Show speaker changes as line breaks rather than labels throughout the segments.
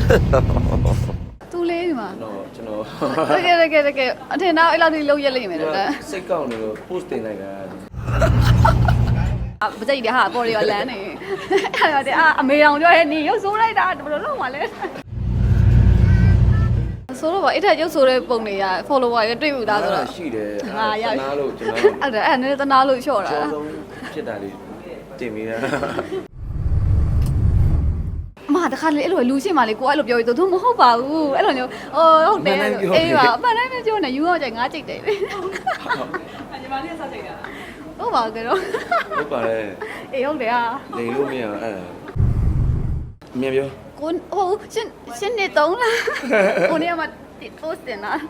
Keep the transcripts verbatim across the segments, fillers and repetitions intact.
သူလေးဒီမှာ
ကျွန်တော်
တကယ်တကယ်တကယ်အထင်တော့အဲ့လောက်ထိလုံးရက်လိမ့်မယ်တော့
စိတ်ကောက်နေလို့ post တင်လိုက်တာ
မကြိုက်တယ်ဟာပေါ်ရီရောလမ်းနေအဲ့ဒါတဲ့အမေတော်ပြောရဲ့နေရုပ်ဆိုးလိုက်တာဘယ်လိုလုပ်မှလဲဆိုတော့အဲ့ထက်ရုပ်ဆိုးတဲ့ပုံတွေက follower တွေတွေ့မှုသားဆိုတော့
ရှိတယ်ဟာရနာလို့ကျွန်တော်
အဲ့ဒါအဲ့နည်းတနာလို့လျှော့တာ
အဆုံးဖြစ်တာလေးတင်ပြီးတာ
မတခါလေအဲ့လိုလူရှိမှလေကိုအဲ့လိုပြောပြီးသူမဟုတ်ပါဘူးအဲ့လိုမျိုးဟိုဟုတ်တယ်အေးပါအမှန်တမ်းပြောနေယူတော့ကြိုင်ငါကြိတ်တယ်လေညီမလေးကစားကြိတ်တာဟုတ်ပါကြတော့
ဟုတ်ပါတယ်
အေးဟုတ်တယ်ဟာ
လိန်လို့မရအဲ့ဒါအမြင်ပြော
ကိုဟိုရှင်းရှင်းနေတုံးလားကိုနေမှာ post တင်လား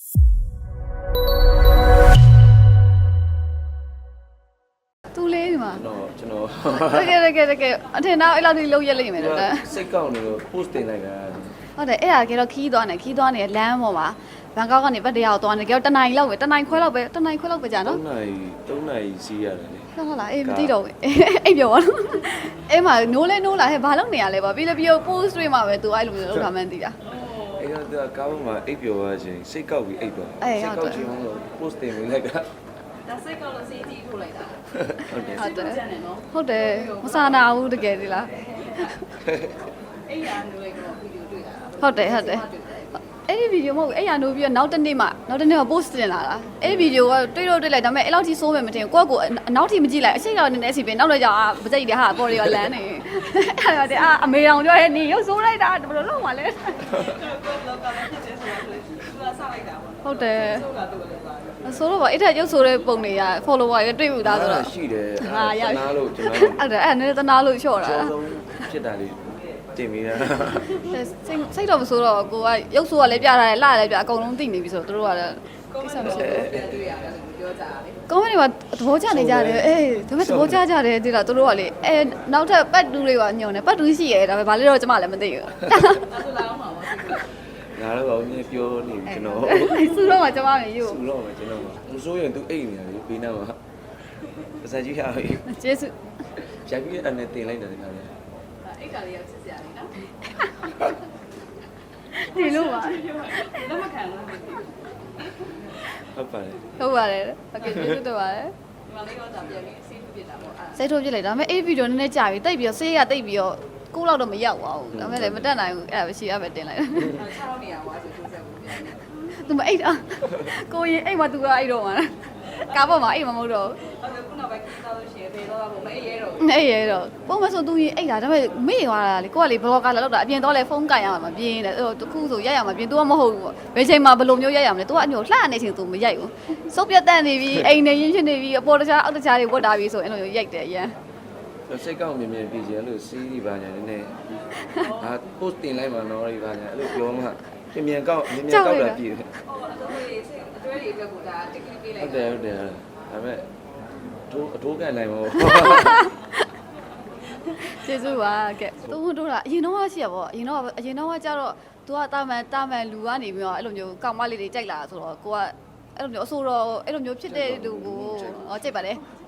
သူလေးဒီမှာ
ကျွန်တော်
တကယ်တကယ်တကယ်အထင်တော့အဲ့လောက်ထိလုံးရက်လိမ့်မယ်တော့
စိတ်ကောက်နေလို့ post တင်လိုက်တာ
ဟုတ်တယ်အဲ့ဒါကတော့ခီးသွားနေခီးသွားနေလမ်းပေါ်မှာဘန်ကောက်ကနေဗတ်တရားကိုသွားနေကြောတနိုင်လောက်ပဲတနိုင်ခွဲလောက်ပဲတနိုင်ခွဲလောက်ပဲကြာနော်
၃နိုင်၃နိုင်စီးရတယ်လေ
ဟုတ်လားအေးမသိတော့ဘူးအိပ်ပြောပါတော့အဲ့မှာနိုးလဲနိုးလာဟဲ့ဘာလုပ်နေရလဲပါပြီးလည်းပြီးတော့ post တွေမှာပဲသူအဲ့လိုမျိုးလုပ်တာမှန်းသိတာ
အဲ့တော့ကားပေါ်မှာအိပ်ပြောရချင်းစိတ်ကောက်ပြီးအိပ်တော့စိတ်ကောက်ချင်းတော့ post တင်ပြီးလိုက်တာ
ဒါစိတ်ကောက်လို့စီးကြည့်ထုတ်လိုက်တာဟုတ်တယ်ဟုတ်တယ်ဟုတ်တယ်မဆာနာဘူးတကယ်ဒီလားအဲ့ရနိုးလိုက်တော့ဗီဒီယိုတွေ့တာဟုတ်တယ်ဟုတ်တယ်အဲ့ဒီဗီဒီယိုမဟုတ်အဲ့ရနိုးပြီးတော့နောက်တစ်နေ့မှနောက်တစ်နေ့မှ post တင်လာတာအဲ့ဒီဗီဒီယိုကတွေ့တော့တွေ့လိုက်ဒါပေမဲ့အဲ့လောက်ထိဆိုးမယ်မထင်ကိုယ့်ကိုအနောက်ထိမကြည့်လိုက်အရှိန်ကောင်နေနေစီပြင်နောက်တော့ကြာမကြိတ်တယ်ဟာပေါ်ရီရောလမ်းနေအဲ့ဒါတဲ့အမေတော်ပြောရဲ့နေရုပ်ဆိုးလိုက်တာဘယ်လိုလုပ်မှလဲဟုတ်တယ်ဆိုတော့အဲ့ထက်ရုပ်ဆိုးတဲ့ပုံတွေက follower တွေတွေ့မှုသားဆိုတော့
ရှိတယ်ဟာရနာလို့ကျွန်တော်
အဲ့ဒါအဲ့နည်းတနာလို့လျှော့တာ
အဆုံးဖြစ်တာလေးတင်ပြီးတာ
စိတ်စိတ်တော့မဆိုးတော့ကိုကရုပ်ဆိုးကလည်းပြထားတယ်လှလည်းပြအကုန်လုံးသိနေပြီဆိုတော့တို့ကလည်းကိစ္စမရှိဘူးတွေ့ရတယ်ပြောကြတာလေကောမန့်တွေမှာသဘောကျနေကြတယ်အေးဒါပေမဲ့သဘောကျကြတယ်ဒီလားတို့ကလေအဲနောက်ထပ်ပတ်တူးတွေကညုံတယ်ပတ်တူးရှိရဲဒါပေမဲ့ဘာလဲတော့ကျမလည်းမသိဘူးဒါဆိုလာအောင်ပါပါ
ငါတော့ဘာလို့ပြောနေကျွန်တော်
စူတော့မှကျမမယူ
စူတော့မှကျွန်တော်မစိုးရင် तू အိတ်နေတယ်ဘေးနားမှာပစံကြီးရပြီ
ကျေးဇူး
ရိုက်ပြီးအဲ့နဲ့တင်လိုက်တယ်ခါလေး
အိတ်ကလေးရစစ်စရာလေးနော်ဒီလိုပါလက်မခံဘူး
ဟုတ်ပါတယ်
ဟုတ်ပါတယ်โอเคကျေးဇူးတင်ပါတယ်ဒီမှာလေးတော့ဒါပြန်ပြီးဆေးထုတ်ပြတာပေါ့အဲ့ဆေးထုတ်ပြလိုက်ဒါပေမဲ့အဲ့ဗီဒီယိုနည်းနည်းကြာပြီတိတ်ပြီးတော့ဆေးကတိတ်ပြီးတော့ကိုလောက်တော့မရောက်ပါဘူးဒါပေမဲ့လည်းမတက်နိုင်ဘူးအဲ့ဒါပဲရှိရပဲတင်လိုက်တာခြောက်နေရပါဆိုထိုးဆက်ဘူးပြန်နေသူမအိတ်တော့ကိုရင်အိတ်မှသူကအိတ်တော့မှာကားပေါ်မှာအိတ်မမဟုတ်တော့ဟုတ်ခုနောက်ပဲကြီးသားလို့ရှိရင်ဖေတော့ပုံမအိတ်ရဲတော့အိတ်ရဲတော့ပုံမဆိုသူရင်အိတ်တာဒါပေမဲ့မေ့သွားတာလေကိုကလေဘလော့ကာလာလောက်တာအပြင်တော့လေဖုန်းကန်ရမှာမပြင်းတယ်အဲ့တော့တခုဆိုရိုက်ရမှာပြင်း तू ကမဟုတ်ဘူးပေါ့ဘယ်ချိန်မှာဘယ်လိုမျိုးရိုက်ရမလဲ तू ကအညိုလှနေချိန် तू မရိုက်ဘူးစုပ်ပြတ်တတ်နေပြီအိမ်နေရင်းဖြစ်နေပြီအပေါ်တခြားအောက်တခြားတွေဝတ်တာပြီဆိုအဲ့လိုမျိုးရိုက်တယ်အရင်
စိတ်ကောက်မြင်မြင်ပြည်ကျလို့စီးဒီပါညာနည်းနည်းဟာ post တင်လိုက်မှာတော့ဒီပါညာအဲ့လိုပြောမှပြင်မြန်ကောက်မြင်မြန်ကောက်တာပြည်တယ်
အတွဲတွေအတွက်ကိုဒါတစ်ကလေးပေးလိုက်
ဟုတ်တယ်ဟုတ်တယ်ဒါပေမဲ့တို့အတိုးကန်နိုင်မဟုတ်
ကျေးဇူးပါကဲသူတို့ကအရင်တော့ရှိရပေါ့အရင်တော့အရင်တော့ကျတော့ तू ကတာမန်တာမန်လူကနေပြီးတော့အဲ့လိုမျိုးကောက်မလေးတွေကြိုက်လာဆိုတော့ကိုကအဲ့လိုမျိုးအဆိုးတော့အဲ့လိုမျိုးဖြစ်တဲ့လူကိုဟောကြိုက်ပါလေ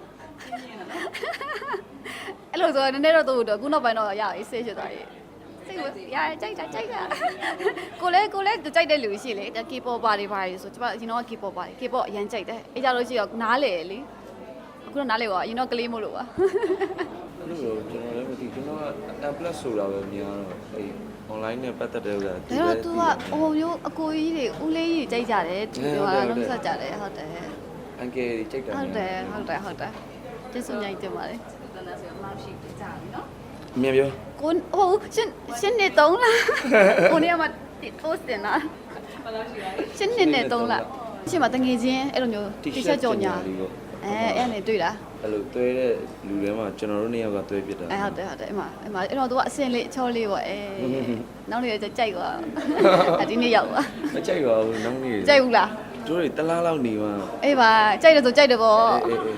အဲ့လိုဆိုတော့နည်းနည်းတော့သူ့တော့ခုနောက်ပိုင်းတော့ရအေးဆေးဖြစ်သွားပြီစိတ်ကိုရကြိုက်တာကြိုက်တာကိုလည်းကိုလည်းကြိုက်တဲ့လူရှိလေ K-pop ပါတွေပါတွေဆိုကျမအရင်တော့ K-pop ပါ K-pop အရင်ကြိုက်တယ်အဲ့ကြလို့ရှိတော့နားလေလေအခုတော့နားလေပါအရင်တော့ကလေးမို့လို့ပါ
လို့ကျွန်တော်လည်းမသိကျွန်တော်က M plus ဆိုတာပဲများတော့အဲ့ online နဲ့ပတ်သက်တဲ့ဥစ္စာ
ဒါတော့ तू ကဟိုမျိုးအကိုကြီးတွေဦးလေးကြီးကြိုက်ကြတယ်သူပြောတာလုံးဆက်ကြတယ်ဟုတ်တယ်
အန်ကယ်ကြီးကြိုက်တာ
ဟုတ်တယ်ဟုတ်တယ်ဟုတ်တယ်ကျေးဇူးများတင်ပါတယ်တန်းတန်းဆိုမှရှိကြပြီနော်
အမြင်ပြော
ကိုဟိုရှင်းရှင်းနေတုံးလားကိုနေမှာ post တင်လားဘာလို့ရှိလဲရှင်းနေနေတုံးလားရှင်းမှာတငယ်ချင်းအဲ့လိုမျိုး T-shirt ကြော်ညာအဲအဲ့နဲ့တွေ့တာ
အဲ့လိုတွဲတဲ့လူတွေမှာကျွန်တော်တို့နှစ်ယောက်ကတွဲပြစ်တာ
အဲဟုတ်တယ်ဟုတ်တယ်အဲ့မှာအဲ့မှာအဲ့တော့ तू ကအစင်လေးအချောလေးပေါ့အဲနောက်နေ့ကျကြိုက်သွားအဒီနေ့ရောက်သွား
မကြိုက်ပါဘူးနောက်နေ့
ကြိုက်ဘူးလား
တို့တွေတလားလောက်နေမှာ
အေးပါကြိုက်တယ်ဆိုကြိုက်တယ်ပေါ့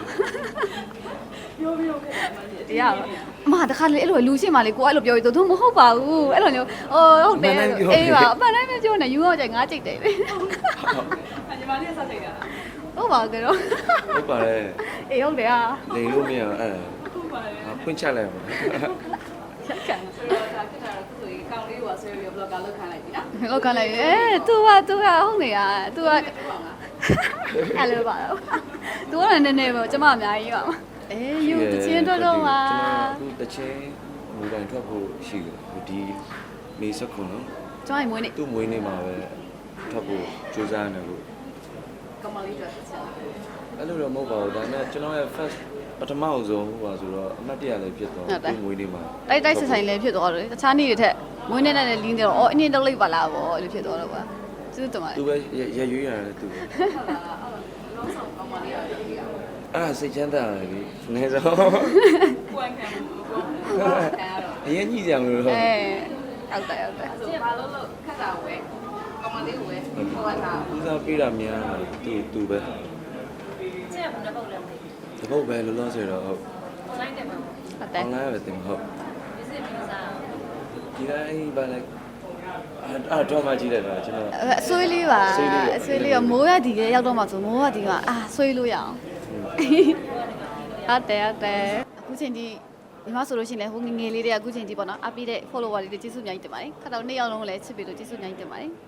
ပြောပြောခဲ့တရားအမတခါလေအဲ့လိုလူရှိမှလေကိုအဲ့လိုပြောပြီးသူမဟုတ်ပါဘူးအဲ့လိုမျိုးဟိုဟုတ်တယ်အေးပါအမှန်တမ်းပြောနေယူတော့ကြိုက်ငါကြိုက်တယ်လေညီမလေးကစားကြိုက်တာဟုတ်ပါကြတော့
ဟုတ်ပါတယ်
အေးဟုတ်တယ်ဟာ
လိန်လို့မရအဲ့ဒါဟုတ်ပါတယ်ဖွင့်ချလိုက်ပါ
ရက်ခံ
ဆိုတော့ဒါဖြစ်တာတော့သူ့ဆိုရင်ကောင်းလေးကိုဆွဲပြီး blogger လောက်ခံလိုက်ပြီနော်
လောက်ခံလိုက်အဲ तू က तू ကဟုတ်နေတာ तू ကအဲ့လိုပါတော့ तू ကလည်းနည်းနည်းပဲကျမအများကြီးပါအေးယူတချင်းတော့တော့ပါ
ကျွန်တော်တချင်းမူတိုင်ထွက်ဖို့ရှိတယ်ဒီမေစခွန်းနော်
ကျမမွေးနေ
သူ့မွေးနေ့မှာပဲထွက်ဖို့ကြိုးစားနေလို့
ကမလေးတော့ဆက်လာ
အဲ့လိုတော့မဟုတ်ပါဘူးဒါပေမဲ့ကျွန်တော်ရဲ့ first ပထမအဆုံးဟိုပါဆိုတော့အမှတ်တရလည်းဖြစ်သွားသူ့မွေးနေ့မှာ
တိုက်တိုက်ဆက်ဆိုင်လည်းဖြစ်သွားတယ်တခြားနေ့တွေထက်မွေးနေ့နဲ့လည်းလင်းတယ်တော့အော်အင်းင်းတော့လိုက်ပါလားဗောအဲ့လိုဖြစ်သွားတော့ပါကျေးဇူးတင်ပါတယ်
သူပဲရရွေးရတယ်သူပဲ
ဟုတ်လားအဲ့လုံးဆောင်ကောင်းမလေးတော့ကြည့်ရအောင်
အဲ့ဒါစိတ်ချမ်းသာတယ်လေနည်းဆုံး
ပွင့်ခံပွင့်ခံရတော့
အရင်ကြီးကြမလို့တော့
အဲဟုတ်တယ်ဟုတ်တယ်
အဲ့ဆိုဘာလို့လို့ခက်တာဝဲကောင်းမလေးကိုဝဲဟိုကတာ
ဦးစားပေးတာများသူသူပဲ
ကျက်ဘယ်ပုတ်လဲ
တပုတ်ပဲလောလောဆယ်တော့ဟုတ်
online တယ်မှာ
ဟုတ်တယ်
online ပဲတင်ဟုတ်
visit visa
ဒီတိုင်းဘာလဲအဲ့တော့မှကြည့်လိုက်တာကျွန်တော်
အဆွေးလေးပါအဆွေးလေးရောမိုးရဒီကရောက်တော့မှဆိုမိုးရဒီကအာဆွေးလို့ရအောင်ဟုတ်တယ်ဟုတ်တယ်အခုချိန်ဒီညီမဆိုလို့ရှိရင်လည်းဟိုငငယ်လေးတွေကအခုချိန်ဒီပေါ့နော်အပိတဲ့ follower တွေကျေးဇူးအများကြီးတင်ပါတယ်ခါတော့နှစ်ယောက်လုံးလည်းချစ်ပြီးလို့ကျေးဇူးအများကြီးတင်ပါတယ်